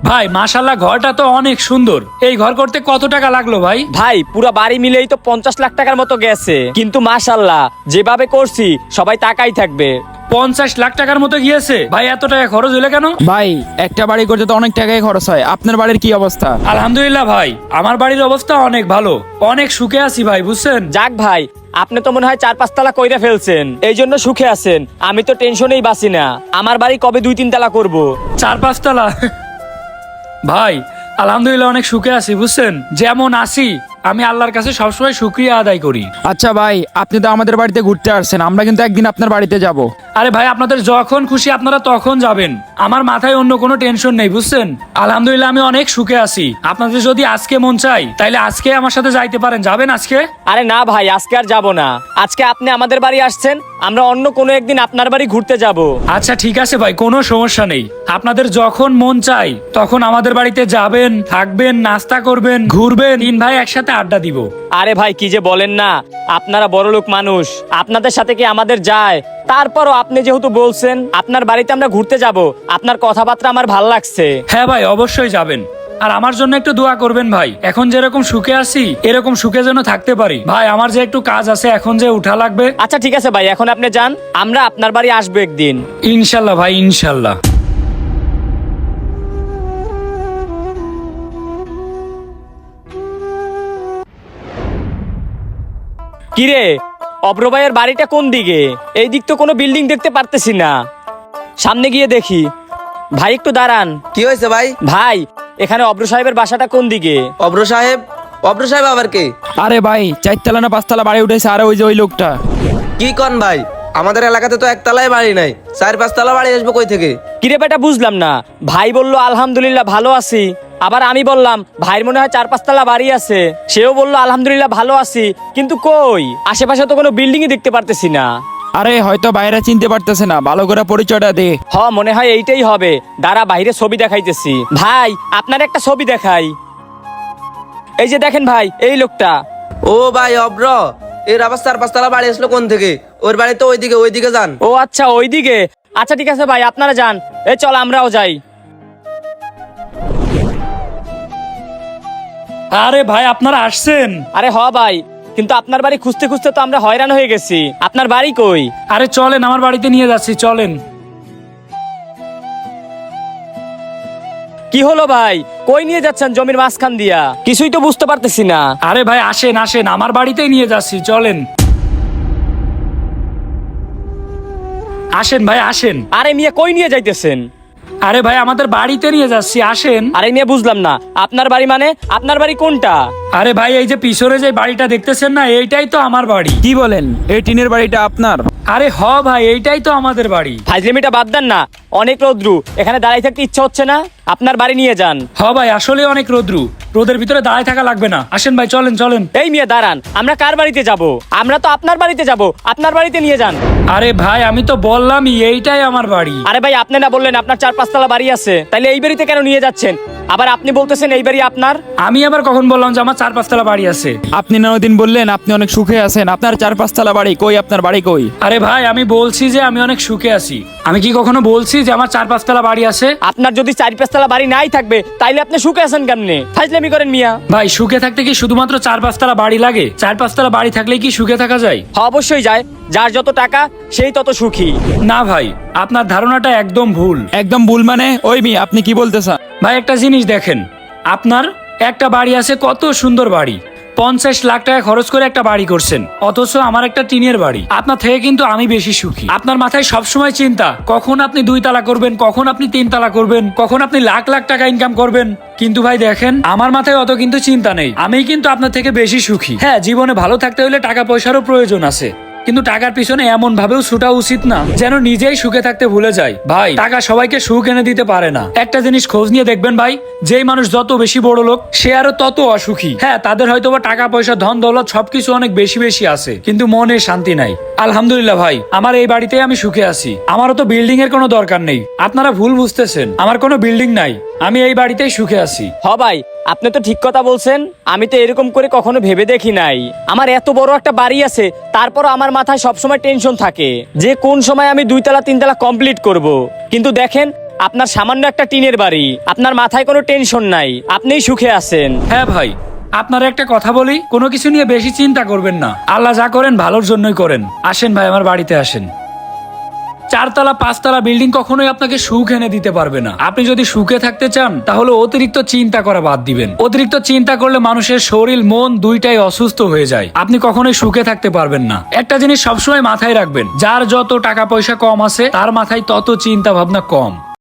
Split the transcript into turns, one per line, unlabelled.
ভাই মাশাল্লাহ ঘরটা তো অনেক সুন্দর। এই ঘর করতে কত টাকা লাগলো ভাই?
ভাই পুরো বাড়ি মিলেই তো 50 লাখ টাকার মতো গেছে, কিন্তু মাশাল্লাহ যেভাবে করছি সবাই তাকাই থাকবে।
50 লাখ টাকার মতো গিয়েছে? ভাই এত টাকা খরচ হলে কেন?
ভাই একটা বাড়ি করতে তো অনেক টাকাই খরচ হয়, আপনার বাড়ির কি অবস্থা?
আলহামদুলিল্লাহ ভাই, আমার বাড়ির অবস্থা অনেক ভালো, অনেক সুখে আছি ভাই, বুঝছেন?
যাক ভাই, আপনি তো মনে হয় 4-5 তলা কইরা ফেলছেন, এই জন্য সুখে আছেন। আমি তো টেনশনেই বাঁচি না, আমার বাড়ি কবে 2-3 তলা করব।
4-5 তলা? ভাই আলহামদুলিল্লাহ অনেক সুখে আছি, বুঝছেন? যেমন আছি আমি আল্লাহর কাছে সবসময় শুকরিয়া আদায় করি।
আচ্ছা ভাই, আপনি তো আমাদের বাড়িতে ঘুরতে আসছেন, আমরা কিন্তু একদিন আপনার বাড়িতে যাব।
আরে ভাই আপনাদের যখন খুশি আপনারা তখন যাবেন, আমার মাথায় অন্য কোনো টেনশন নেই, বুঝছেন? আলহামদুলিল্লাহ আমি অনেক সুখে আছি। আপনাদের যদি আজকে মন চাই তাইলে আজকে আমার সাথে যাইতে পারেন, যাবেন আজকে?
আরে না ভাই, আজকে আর যাব না। আজকে আপনি আমাদের বাড়ি আসছেন, আমরা অন্য কোনো একদিন আপনার বাড়ি ঘুরতে যাব।
আচ্ছা ঠিক আছে ভাই, কোনো সমস্যা নেই। আপনাদের যখন মন চাই তখন আমাদের বাড়িতে যাবেন, থাকবেন, নাস্তা করবেন, ঘুরবেন, 3 ভাই একসাথে আড্ডা দিব।
আরে ভাই কি যে বলেন না, আপনারা বড়লোক মানুষ, আপনাদের সাথে কি আমাদের যায়? তারপরও আপনি যেহেতু বলছেন আপনার বাড়িতে আমরা ঘুরতে যাব, আপনার কথাবার্তা আমার ভাল লাগছে।
হ্যাঁ ভাই অবশ্যই যাবেন, আর আমার জন্য একটু দোয়া করবেন ভাই। এখন যেরকম সুখে আছি এরকম সুখে যেন থাকতে পারি। ভাই আমার যে একটু কাজ আছে, এখন যে উঠা লাগবে।
আচ্ছা ঠিক আছে ভাই, এখন আপনি যান, আমরা আপনার বাড়ি আসবো একদিন।
ইনশাল্লাহ ভাই, ইনশাল্লাহ।
কিরে, অব্র ভাইয়ের বাড়িটা কোন দিকে? এই দিক তো কোনো বিল্ডিং দেখতে পারতেছি না, সামনে গিয়ে দেখি। ভাই একটু দাঁড়ান।
কি হয়েছে ভাই?
ভাই এখানে অব্র সাহেবের বাসাটা কোন দিকে?
অব্র সাহেব? অব্র সাহেব আবার কে?
আরে ভাই 4 না 5 তলা বাড়ি উঠেছে, আরে ওই যে ওই লোকটা।
কি কন ভাই, আমাদের এলাকাতে তো 1 তলায় বাড়ি নাই, 4-5 তলা বাড়ি আসবো কই থেকে?
কিরে বেটা, বুঝলাম না। ভাই বললো আলহামদুলিল্লাহ ভালো আছি, আবার আমি বললাম ভাইয়ের মনে হয় 4-5 তলা বাড়ি আছে, সেও বললো আলহামদুলিল্লাহ ভালো আছি, কিন্তু কই আশেপাশে তো কোনো বিল্ডিংই দেখতে পারতেছি না।
আরে হয়তো বাইরে চিনতে পারতেছে না, ভালো করে পরিচয়টা দে।
মনে হয় এইটাই হবে, দাঁড়া বাইরে ছবি দেখাইতেছি। ভাই আপনার একটা ছবি দেখাই, এই যে দেখেন ভাই, এই লোকটা।
ও ভাই অব্র, এর আবার 4-5 তলা বাড়ি আসলো কোন থেকে? ওর বাড়ি তো ওইদিকে যান।
ও আচ্ছা ওইদিকে, আচ্ছা ঠিক আছে ভাই আপনারা যান, এই চল আমরাও যাই।
আরে ভাই আপনারা আসছেন?
আরে ভাই, কিন্তু আপনার বাড়ি খুঁজতে খুঁজতে তো আমরা হয়রান হয়ে গেছি, আপনার বাড়ি কই?
আরে চলেন, আমার বাড়িতে নিয়ে যাচ্ছি, চলেন।
কি হলো ভাই, কই নিয়ে যাচ্ছেন জমির মাঝখান দিয়া? কিছুই তো বুঝতে পারতেছি না।
আরে ভাই আসেন আসেন, আমার বাড়িতেই নিয়ে যাচ্ছি, চলেন। আসেন ভাই আসেন।
আরে মিয়া কই নিয়ে যাইতেছেন?
আরে ভাই আমাদের বাড়িতে নিয়ে যাচ্ছি, আসেন।
আরে মিয়া বুঝলাম না, আপনার বাড়ি মানে আপনার বাড়ি কোনটা?
আরে ভাই এই যে পিছনে যে বাড়িটা দেখতেছেন না, এইটাই তো আমার বাড়ি।
কি বলেন, এই টিনের বাড়িটা আপনার?
আরে ভাই এইটাই তো আমাদের বাড়ি।
ফাজলিমিটা বাদ দেন না, অনেক রোদ্রু, এখানে দাঁড়াই থাকতে ইচ্ছা হচ্ছে না, আপনার বাড়ি নিয়ে যান।
ভাই আসলে অনেক রোদ্রু, রোদের ভিতরে দাঁড়ায় থাকা লাগবে না, আসেন ভাই চলেন চলেন।
এই মিয়া দাঁড়ান, আমরা কার বাড়িতে যাব? আমরা তো আপনার বাড়িতে যাব, আপনার বাড়িতে নিয়ে যান।
আরে ভাই আমি তো বললামই এইটাই আমার বাড়ি।
আরে ভাই আপনি না বললেন আপনার 4-5 তলা বাড়ি আছে, তাইলে এই বাড়িতে কেন নিয়ে যাচ্ছেন? আবার আপনি বলতেছেন এই বাড়ি আপনার।
আমি আবার কখন বললাম যে আমার 4-5 তলা বাড়ি আছে?
আপনি না ওইদিন বললেন আপনি অনেক সুখে আছেন, আপনার 4-5 তলা বাড়ি কই? আপনার বাড়ি কই?
আরে ভাই আমি বলছি যে আমি অনেক সুখে আছি, আমি কি কখনো বলছি যে আমার 4-5 তলা বাড়ি আছে?
আপনার যদি 4-5 তলা বাড়ি নাই থাকবে তাইলে আপনি সুখে আছেন কেমনে? ফাজলামি করেন মিয়া।
ভাই সুখে থাকতে কি শুধুমাত্র 4-5 তলা বাড়ি লাগে? 4-5 তলা বাড়ি থাকলেই কি সুখে থাকা যায়?
অবশ্যই যায়, যার যত টাকা সেই তত সুখী।
না ভাই, আপনার ধারণাটা একদম ভুল।
একদম ভুল মানে? ওই মি আপনি কি বলতে চান?
ভাই একটা জিনিস দেখেন, আপনার একটা বাড়ি আছে, কত সুন্দর বাড়ি, 50 লাখ টাকা খরচ করে একটা বাড়ি করছেন, অথচ আমার একটা টিনের বাড়ি। আপনার থেকে কিন্তু আমি বেশি সুখী। আপনার মাথায় সবসময় চিন্তা কখন আপনি 2 তালা করবেন, কখন আপনি 3 তালা করবেন, কখন আপনি লাখ লাখ টাকা ইনকাম করবেন। কিন্তু ভাই দেখেন আমার মাথায় অত কিন্তু চিন্তা নেই, আমি কিন্তু আপনার থেকে বেশি সুখী। হ্যাঁ জীবনে ভালো থাকতে হলে টাকা পয়সারও প্রয়োজন আছে, কিন্তু টাকার পিছনে এমন ভাবেও ছুটা উচিত না যেন নিজেই সুখে থাকতে ভুলে যায়। ভাই টাকা সবাইকে সুখ এনে দিতে পারে না। একটা জিনিস খোঁজ নিয়ে দেখবেন ভাই, যেই মানুষ যত বেশি বড় লোক সে আরো তত অসুখী। হ্যাঁ তাদের হয়তো বা টাকা পয়সা ধন দৌলত সবকিছু অনেক বেশি বেশি আছে, কিন্তু মনে শান্তি নাই। আলহামদুলিল্লাহ ভাই আমার এই বাড়িতেই আমি সুখে আছি, আমারও তো বিল্ডিং এর কোনো দরকার নেই। আপনারা ভুল বুঝতেছেন, আমার কোনো বিল্ডিং নাই, আমি এই বাড়িতেই সুখে আছি।
ভাই আপনি তো ঠিক কথা বলছেন, আমি তো এরকম করে কখনো ভেবে দেখি নাই। আমার এত বড় একটা বাড়ি আছে, তারপর আমার মাথায় সবসময় টেনশন থাকে যে কোন সময় আমি 2 তালা 3 তালা কমপ্লিট করব। কিন্তু দেখেন আপনার সামান্য একটা টিনের বাড়ি, আপনার মাথায় কোনো টেনশন নাই, আপনিই সুখে আছেন।
হ্যাঁ ভাই, আপনার একটা কথা বলি, কোনো কিছু নিয়ে বেশি চিন্তা করবেন না। আল্লাহ যা করেন ভালোর জন্যই করেন। আসেন ভাই, আমার বাড়িতে আসেন। 4 তলা 5 তলা বিল্ডিং কখনোই আপনাকে সুখ এনে দিতে পারবে না। আপনি যদি সুখে থাকতে চান তাহলে অতিরিক্ত চিন্তা করা বাদ দিবেন। অতিরিক্ত চিন্তা করলে মানুষের শরীর মন দুইটাই অসুস্থ হয়ে যায়। আপনি কখনোই সুখে থাকতে পারবেন না। একটা জিনিস সবসময় মাথায় রাখবেন, যার যত টাকা পয়সা কম আছে তার মাথায় তত চিন্তা ভাবনা কম।